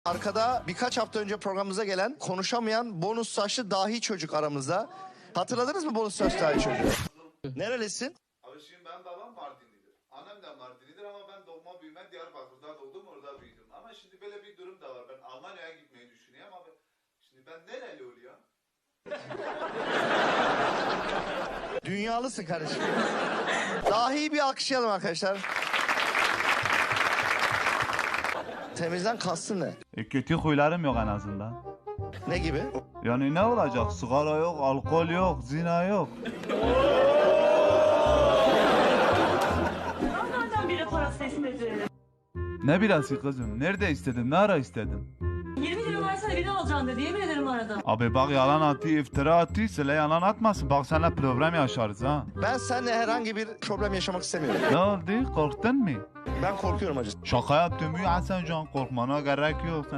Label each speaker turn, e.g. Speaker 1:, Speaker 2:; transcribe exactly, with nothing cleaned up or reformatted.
Speaker 1: Arkada birkaç hafta önce programımıza gelen konuşamayan bonus saçlı dahi çocuk aramızda. Hatırladınız mı bonus saçlı dahi çocuğu? Nerelisin?
Speaker 2: Abi şimdi ben babam Mardinlidir. Annem de Mardinlidir ama ben doğma büyüme Diyarbakır'da doğdum, orada büyüdüm. Ama şimdi böyle bir durum da var. Ben Almanya'ya gitmeyi düşünüyorum abi. Şimdi ben nereli oluyor?
Speaker 1: Dünyalısın kardeşim. Dahi bir alkışlayalım arkadaşlar. Temizden kastın ne?
Speaker 3: E, kötü huylarım yok en azından.
Speaker 1: Ne gibi?
Speaker 3: Yani ne olacak? Sigara yok, alkol yok, zina yok.
Speaker 4: Nereden biri parası istedi?
Speaker 3: Ne bilası kızım? Nerede istedim? Ne ara istedim?
Speaker 4: yirmi lira versene beni alacaksın dedi. Yemin ederim aradım.
Speaker 3: Abi bak yalan atı, iftira atı, söyle yalan atmasın. Bak seninle problem yaşarız ha.
Speaker 1: Ben seninle herhangi bir problem yaşamak istemiyorum.
Speaker 3: Ne oldu? Korktun mu?
Speaker 1: Ben korkuyorum acı.
Speaker 3: Şaka yaptım ya Hasan Can. Korkmana gerek yok.